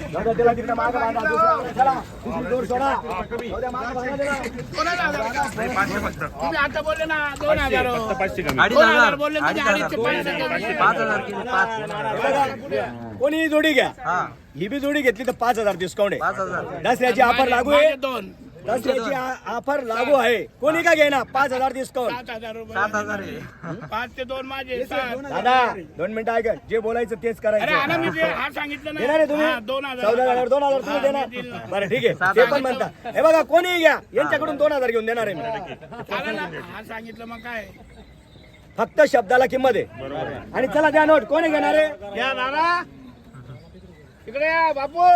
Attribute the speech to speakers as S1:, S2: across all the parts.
S1: त्याला तिकडे मागं बांधा, दुसऱ्या चला, दुसरी दोर सोडा. जाऊ द्या, मागं बांधा त्याला.
S2: तुम्ही आता बोलले ना 2000
S3: 2,500
S2: बोलले म्हणजे
S3: 5,000 केले 5.
S1: बघा, कोणी जोडी घ्या,
S3: हा
S1: ही बी जोडी घेतली तर 5,000 डिस्काउंट आहे.
S3: 5,000
S1: दसऱ्याची ऑफर लागू आहे.
S2: 2
S1: दसऱ्याची ऑफर लागू आहे. कोणी का घेणार 5,000 डिस्काउंट.
S2: 7,000 रुपये
S3: 7,000 आहे.
S2: 5 ते 2 माझे 7.
S1: दादा 2 मिनिटं ऐका, जे बोलायचं तेच
S2: अरे हा ना
S1: करायचं.
S2: मी जे हा सांगितलं
S1: देणार आहे तुम्ही?
S2: हा, 2,000
S1: 14,000 2,000 तुम्ही देणार. बरं ठीक आहे, ते पण म्हणता. हे बघा कोणी घ्या, यांच्याकडून 2,000 घेऊन देणार आहे मी.
S2: चालेल ना? हा सांगितलं मग काय
S1: फक्त शब्दाला किंमत आहे. आणि चला द्या नोट. कोणी घेणार आहे?
S2: या दादा इकडे या बापू.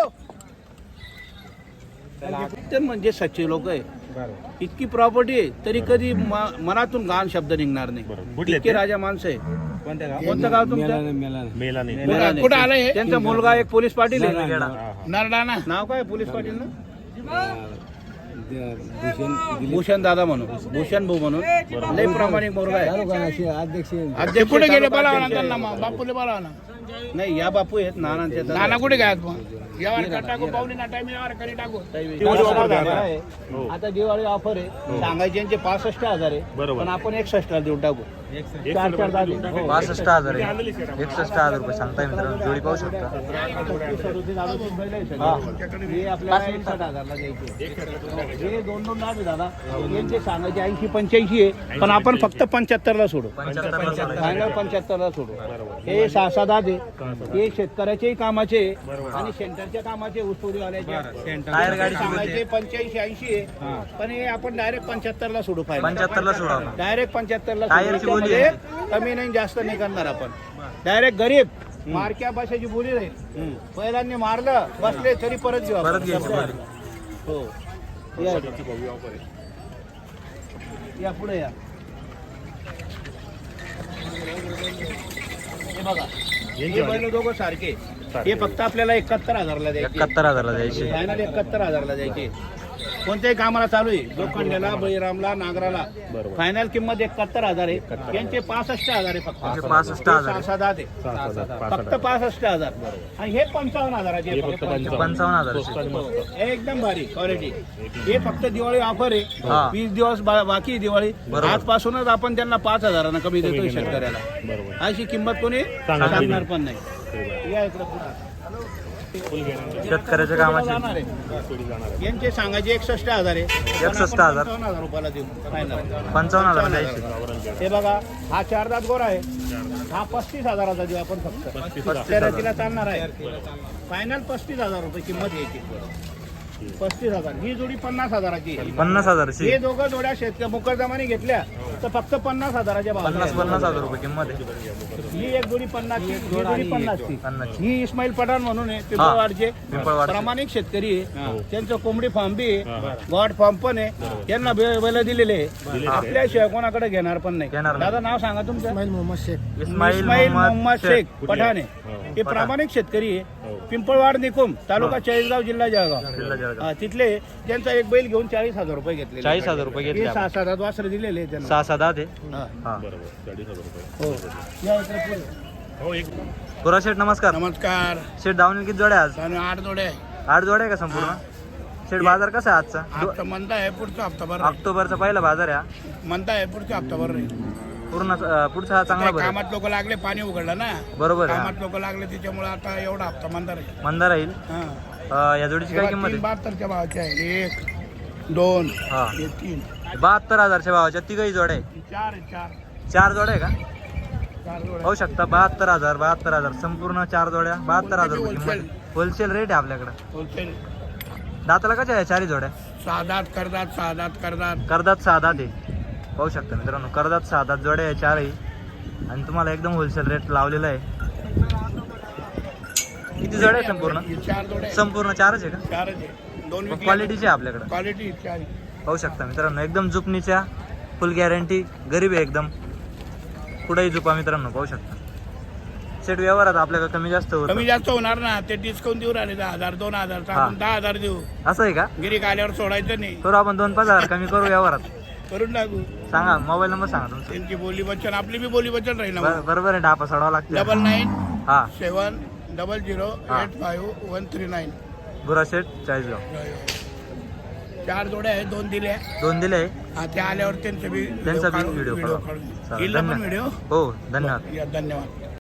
S2: ते म्हणजे सच्चे लोक आहे. इतकी प्रॉपर्टी आहे तरी कधी मनातून घाण शब्द निघणार नाही. इतके राजा माणसं आहे. कोणतं गाव तुमचं? मेलाने. कुठं आलं हे? त्यांचा मुलगा एक पोलीस पाटील आहे. नरडाणा नाव काय पोलीस पाटील ना? भूषण दादा म्हणून, भूषण भाऊ म्हणून लय प्रामाणिक मुलगा आहे. अध्यक्ष कुठे गेले बोलावा ना त्यांना, मग बापूले बोलावा ना. नाही या बापू आहेत नानांचे. नाना कुठे काय मग यावर टाकू पाहुणे ना टाइम यावर कधी टाकू. आता दिवाळी ऑफर आहे. सांगायचे यांचे 65,000 आहे पण आपण 61 देऊन टाकू. 4,000
S3: 65,000 आहे. 61,000 रुपये सांगताय मित्रांनो. जोडी पाहू शकता.
S2: हे आपल्याला 61,000 ला द्यायचे. हे 2-2 नाव आहे दादा. यांचे सांगायचे 80-85 आहे पण आपण फक्त 75 ला सोडू.
S3: 75
S2: फायनल 75 ला सोडू. हे 6-7 आहे. हे शेतकऱ्याच्याही कामाचे आणि सेंटरच्या कामाचे ऊसतोडीवाल्याचे.
S3: टायर गाडी
S2: सांगायचे 85-80 आहे पण हे आपण डायरेक्ट 75 ला सोडू. फायनल
S3: 75 ला सोडा.
S2: डायरेक्ट 75 ला
S3: टायरची बोली
S2: सोडू.
S3: आहे.
S2: कमी नाही जास्त नाही करणार आपण. डायरेक्ट गरीब मारक्या भाषेची बोली राहील. पहिल्यांनी मारलं बसले तरी परत घेऊ आपण.
S3: परत घ्यायची बोली.
S2: हो या या पुढे या. हे बघा हे बैल दोघं सारखे. हे फक्त आपल्याला 71,000 ला द्यायचे.
S3: 71,000 ला द्यायची.
S2: फायनल 71,000 ला द्यायचे. कोणत्याही कामाला चालू आहे. लोखंड्याला, बळीरामला, नागराला फायनल किंमत 71,000 आहे. यांचे 65,000 आहे फक्त.
S3: 65,000
S2: 6-7 आहे फक्त 65,000 आणि हे 55,000 चे.
S3: 55,000
S2: एकदम भारी क्वालिटी. हे फक्त दिवाळी ऑफर आहे.
S3: हा.
S2: 20 दिवस बाकी दिवाळी. आजपासूनच आपण त्यांना 5,000 कमी देतोय शेतकऱ्याला. अशी किंमत कोणी सांगणार पण नाही. या इकडे पुढे.
S3: शेतकऱ्याच्या कामाचे
S2: यांचे सांगायचे 61,000 आहे.
S3: 61,000
S2: 55,000 रुपयाला देऊ फायनल.
S3: 55,000 द्यायची.
S2: हे बघा हा 4 दात गोरा आहे. हा 35,000 देऊ आपण फक्त. शर्यतीला चालणार आहे. फायनल 35,000 रुपये किंमत यायची. 35,000. ही जोडी 50,000ची.
S3: 50,000 ची.
S2: हे दोघं जोड्या शेतकरी मुकरदमाने घेतल्या तर फक्त 50,000च्या भाव.
S3: 50,000 रुपये किंमत आहे.
S2: ही एक जोडी 50 ची, ही जोडी 50 ची.
S3: 50 ची.
S2: ही इस्माईल पठाण म्हणून आहे. पिंपळवाडचे
S3: पिंपळवाडचे.
S2: प्रामाणिक शेतकरी आहे. त्यांचं कोंबडी फार्म बी आहे. गॉड फार्म पण आहे. त्यांना बैल दिलेले आहे. आपल्याशिवाय कोणाकडे घेणार पण नाही.
S3: घेणार नाही.
S2: दादा नाव सांगा तुमचं?
S3: इस्माईल
S2: इस्माईल
S3: मोहम्मद
S2: मोहम्मद शेख पठाण आहे. हे प्रामाणिक शेतकरी आहे. पिंपळवाड निकुम तालुका चाळीसगाव जिल्हा जळगाव.
S3: जिल्हा जळगाव.
S2: तिथले त्यांचा एक बैल घेऊन 40,000 रुपये घेतले.
S3: 40,000 रुपये घेतले.
S2: 6-7 वासरे दिलेले आहे त्यांना.
S3: 6-7 आहे.
S2: हा.
S3: हा.
S2: हो या इकडे पुढे.
S3: गोरा शेठ नमस्कार.
S2: नमस्कार.
S3: शेठ दावणी किती जोड्या आज?
S2: 8 जोडे
S3: 8 जोड्या आहे का संपूर्ण? शेठ बाजार कसा आहे आजचा?
S2: हप्ता म्हणता आहे पुढचा हप्ताभर.
S3: ऑक्टोबरचा पहिला बाजार आहे हा.
S2: म्हणता आहे पुढचा हप्ताभर राहील.
S3: पूर्ण पुढचा हा चांगला भरेल.
S2: कामात लोक लागले पाणी उघडलं ना.
S3: बरोबर आहे.
S2: कामात लोक लागले त्याच्यामुळे आता एवढा हप्ता मंदार आहे.
S3: मंदा राहील. या जोडीची काय किंमत आहे?
S2: 72च्या भावाची आहे. 1 2
S3: हा.
S2: 3
S3: 72,000च्या भावाच्या तिघही जोड्या आहे. 4 जोड्या आहे का?
S2: 4 जोड्या.
S3: पाहू शकता 72,000 संपूर्ण 4 जोड्या 72,000 रुपये किंमत. होलसेल रेट आहे आपल्याकडे.
S2: होलसेल
S3: दाताला कशा आहे 4 जोड्या?
S2: 6 दात करतात. 6 दात करतात.
S3: करदात 6 दात आहे. पाहू शकता मित्रांनो करदात 6 दात जोड्या आहे 4ही. आणि तुम्हाला एकदम होलसेल रेट लावलेला आहे. किती जोड्या आहे संपूर्ण?
S2: 4 जोड्या.
S3: संपूर्ण 4च आहे का?
S2: 4च आहे. 2 विकले.
S3: क्वालिटीचे आहे आपल्याकडे.
S2: क्वालिटी 4.
S3: पाहू शकता मित्रांनो एकदम जुपणीच्या फुल गॅरंटी. गरीब आहे एकदम. कुठेही जुपा मित्रांनो पाहू शकता. सेट व्यवहारात आपल्याकडे कमी जास्त होतं.
S2: कमी जास्त होणार ना. ते डिस्काउंट देऊ राहिले 10,000 2,000 आपण 10,000 देऊ.
S3: असं आहे का?
S2: गिरीक आल्यावर सोडायचं नाही.
S3: करू आपण 2-5 हजार कमी करू व्यवहारात.
S2: करून टाकू.
S3: सांगा मोबाईल नंबर सांगा तुमचा.
S2: त्यांची बोली वचन आपली बी बोली वचन राहील ना.
S3: बरोबर आहे. डापा सोडावा लागतो.
S2: 99
S3: हा
S2: 7
S4: 0085
S3: गुराशेठ चाळीसगाव.
S4: 4 जोड्या आहेत, 2 दिल्या.
S3: 2 दिले आहे.
S4: हा, ते आल्यावर त्यांचा बी
S3: त्यांचा बी व्हिडिओ
S4: काढू.
S3: काढा.
S4: येईल ना पण व्हिडिओ.
S3: हो धन्यवाद.
S4: या, धन्यवाद.